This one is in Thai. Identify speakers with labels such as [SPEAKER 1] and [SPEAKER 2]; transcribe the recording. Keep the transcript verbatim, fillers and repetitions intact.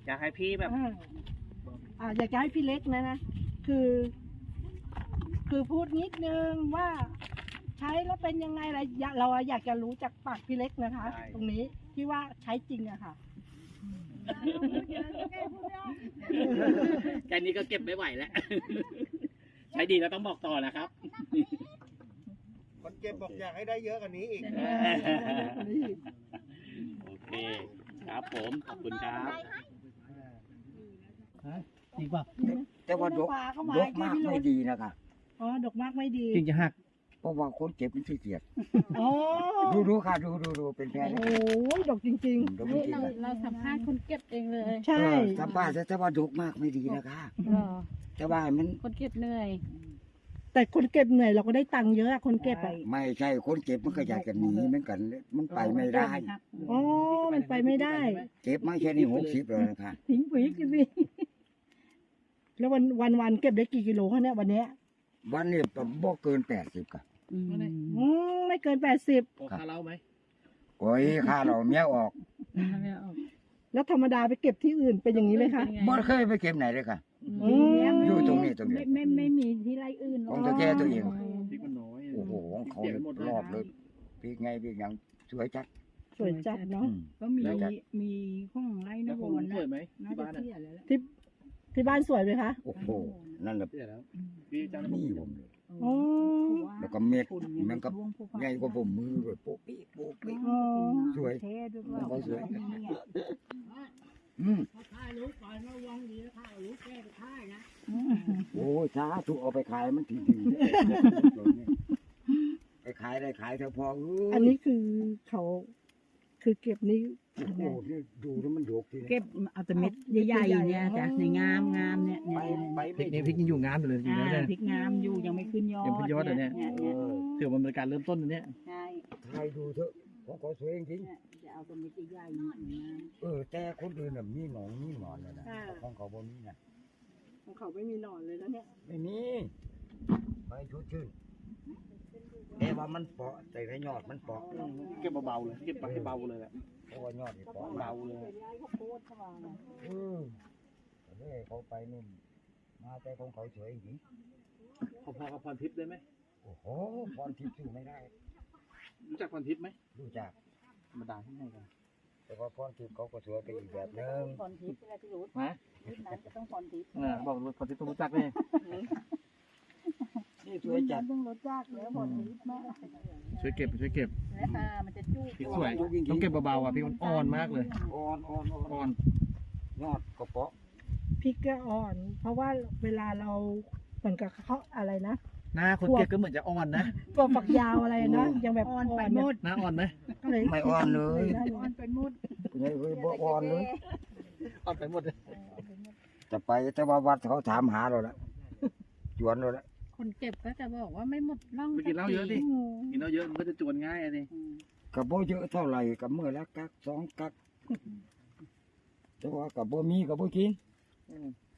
[SPEAKER 1] อยากให้พี่แบบ
[SPEAKER 2] อ่าอ่าอยากจะให้พี่เล็กนะนะคือ คือพูดนิดนึงว่า ใช้แล้วเป็นยังไงอะไรอยากเราอยากจะรู้จากปากพี่เล็กนะคะ ตรงนี้ที่ว่าใช้จริงอะค่ะ
[SPEAKER 1] แค่นี้ก็เก็บไม่ไหวแล้ว ใช้ดีแล้วต้องบอกต่อนะครับ
[SPEAKER 3] คนเก็บบอกอยากให้ได้เยอะกว่านี้อีก
[SPEAKER 1] โอเค ครับผม ขอบคุณครับ
[SPEAKER 4] จริงป่ะ
[SPEAKER 5] แต่ว่าดก
[SPEAKER 2] ปลาเข้ามา
[SPEAKER 5] ดกมากไม่ดีนะคะ
[SPEAKER 2] อ๋อดอกมากไม่ดี
[SPEAKER 4] จริงจะหัก
[SPEAKER 5] เพราะว่าคนเก็บมันขี้เกียจ
[SPEAKER 2] อ๋อ
[SPEAKER 5] ดูดูค่ะดูดูดูเป็นแพ้
[SPEAKER 2] โอ้
[SPEAKER 5] เลย
[SPEAKER 2] โหดอกจริง
[SPEAKER 5] ดกจริงๆค่ะ
[SPEAKER 6] เราสัมภาษณ์คนเก็บเองเลย
[SPEAKER 2] ๆ ใช่
[SPEAKER 5] เออสัมภาษณ์แต่ว่าดกมากไม่ดีนะคะ
[SPEAKER 6] เหรอ
[SPEAKER 5] แต่ว่ามัน
[SPEAKER 6] คนเก็บเหนื่อย
[SPEAKER 2] แต่คนเก็บเหนื่อยเราก็ได้ตังค์เยอะอะคนเก็บอะ
[SPEAKER 5] ไม่ใช่คนเก็บมันก็อยากจะหนีเหมือนกัน มันไปไม่ได้
[SPEAKER 2] อ๋อมันไปไม่ได้
[SPEAKER 5] เก็บมาแค่นี้หกสิบเลยนะคะ
[SPEAKER 2] ทิ้งปุ๋ยกินสิแล้ววันวันวันเก็บได้กี่กิโลคะเนี่ยวันเนี้ย
[SPEAKER 5] วันนี้บ่เกินแปดสิบค่ะ
[SPEAKER 2] อืมไม่เกินแปดสิบ
[SPEAKER 1] โอ้ค่าเล่าไหม
[SPEAKER 5] โอ้ยค่าเราเมียออก
[SPEAKER 2] แล้วธรรมดาไปเก็บที่อื่นเป็นอย่างนี้ไหมคะ
[SPEAKER 5] บ่เคยไปเก็บไหนเลยค่ะ
[SPEAKER 2] อืม
[SPEAKER 5] อยู่ตรงนี้ตรงนี้
[SPEAKER 6] ไม่ไม่ไม่มีที่ไรอื่นหร
[SPEAKER 5] ข
[SPEAKER 6] อ
[SPEAKER 5] อก งตัวแก่ตัวเอง
[SPEAKER 1] พริกมันน้อย
[SPEAKER 5] โอ้โหของเขารอบเลยพี่ไงพี่ยังสวยจัด
[SPEAKER 2] สวยจัดเนาะ
[SPEAKER 5] อืม
[SPEAKER 6] ก็มีมีห้องไร่น
[SPEAKER 1] แล้ว
[SPEAKER 6] ค
[SPEAKER 1] ผม
[SPEAKER 6] ร
[SPEAKER 1] สวยไหม
[SPEAKER 6] น่า
[SPEAKER 1] ที่
[SPEAKER 6] จะ
[SPEAKER 1] บ้านอ่ะ
[SPEAKER 6] เที่ยแล้วแหละ
[SPEAKER 2] ที่ที่บ้านสวยไหมคะ
[SPEAKER 5] โอ้โหนั่นแหละ
[SPEAKER 1] เที่ยแล้วพี่จ้าง
[SPEAKER 5] นี่ผมเลย
[SPEAKER 2] อ๋อ
[SPEAKER 5] แล้วก็เม็ดมันก็ใหญ่กว่าผมมือเลยโป๊ะปี้โป๊ะปี้
[SPEAKER 2] อ๋อ
[SPEAKER 5] สวย
[SPEAKER 6] เท่ด้วย
[SPEAKER 5] ของเขาสวย อืมโอ้ยช้าถูกเอาไปขายมันทีดีไปขายได้ขายเถอะพอเอ้ย
[SPEAKER 2] อันนี้คือเขา คือเก็บนี้
[SPEAKER 5] โอ้โหนี่ดูแล้วมันโยกทีนี้
[SPEAKER 6] เก็บเอาแต่เม็ดใหญ่ๆเนี่ยจ้ะในงามงามเนี่ย
[SPEAKER 5] ไป
[SPEAKER 6] เนี่ย
[SPEAKER 5] ไป
[SPEAKER 4] พริ
[SPEAKER 5] ไม่
[SPEAKER 4] กนี่พริกยังอยู่งามอยู่เลยจริง
[SPEAKER 6] อ่า
[SPEAKER 4] ๆนะ
[SPEAKER 6] พริกงามอยู่ยังไม่ขึ้นยอด
[SPEAKER 4] ยังขึ้นยอดเหรอเนี่ย
[SPEAKER 6] เนี่ย
[SPEAKER 5] เอ
[SPEAKER 6] เนี่ย
[SPEAKER 5] อ
[SPEAKER 4] ถือว่ามันเป็นการเริ่มต้นอันเนี้ย
[SPEAKER 6] ใช่
[SPEAKER 5] ถ่ายดูเถอะของเขาสวยจริง
[SPEAKER 6] เนี่ยจะเอาแต่เม็ดใหญ่ๆเนี่ยงาม
[SPEAKER 5] ๆเออแต่คนอื่นน่ะมีหนองมีหนอนเลยนะของเขาบ่มีนะ
[SPEAKER 2] ของเขาไม่มีหนอนเลยนะเนี่ย
[SPEAKER 5] ไม่มีไปชุดชื่นแต่ว่ามันเปาะแต่ละยอดมันเปาะ
[SPEAKER 1] เก็บเบาๆเลย เก็บไปให้เบาเลยแหละ
[SPEAKER 5] เพราะว่ายอดนี่เปาะ
[SPEAKER 1] เบาเลย
[SPEAKER 5] เออแต่เนี่ยเขาไปนี่มาแต่ของเขาสวยจริง
[SPEAKER 1] พอๆกับพรทิพย์ได้ไหม
[SPEAKER 5] โอ้โหพรทิพย์สู้ไม่ได้
[SPEAKER 1] รู้จักพรทิพย์ไหม
[SPEAKER 5] รู้จัก
[SPEAKER 1] ธรรมดาที่ให้กัน
[SPEAKER 5] แต่ว่าพรทิพย์เขาก็สวยไปอีกแบบนึง
[SPEAKER 6] พรทิพย์เวลาที่รู้
[SPEAKER 4] นะ
[SPEAKER 6] ทิพย์นั้นจะต้องพรทิพย์
[SPEAKER 4] อ่าบอกว่าพอที่ต้องรู้จักเนี่ย
[SPEAKER 5] นี่สวยจัด
[SPEAKER 6] ต้องรสจักแล้วพรทิพย์มาก
[SPEAKER 4] ช่วยเก็บช่วยเก็บ
[SPEAKER 6] และตามันจะจุก
[SPEAKER 4] พริกสวยต้องเก็บเบาๆอ่ะพริกมันอ่อนมากเลย
[SPEAKER 5] อ่อนอ่อนอ่อน
[SPEAKER 4] อ่อน
[SPEAKER 5] ยอดก็เปาะ
[SPEAKER 2] พริกก็อ่อน เพราะว่าเวลาเราเหมือนกับเขาอะไรนะ
[SPEAKER 4] หน้าคนเก็บก็เหมือนจะอ่อนนะ
[SPEAKER 2] ตัวฝักยาวอะไรนะยังแบบอ่อนไปหมด
[SPEAKER 4] หน้าอ่อนไหม
[SPEAKER 2] ก็เลย
[SPEAKER 5] ไม่อ่อนเลย
[SPEAKER 6] อ่อนเป็นมุด
[SPEAKER 5] ไม่เคยบ่อ่อนเลย
[SPEAKER 4] อ่อนไปหมดเลย
[SPEAKER 5] จะไปแต่ว่าวัดเขาถามหาเราละจวนเราละ
[SPEAKER 6] คนเก็บก็จะบอกว่าไม่หมดร่อง
[SPEAKER 1] ไปกินเหล้าเยอะดิ กินเหล้าเยอะมันก็จะจวนง่ายอะดิ
[SPEAKER 5] กับบ่เยอะเท่าไหร่กับเมื่อละกักสองกักแต่ว่ากับบ่มีกับบ่กิน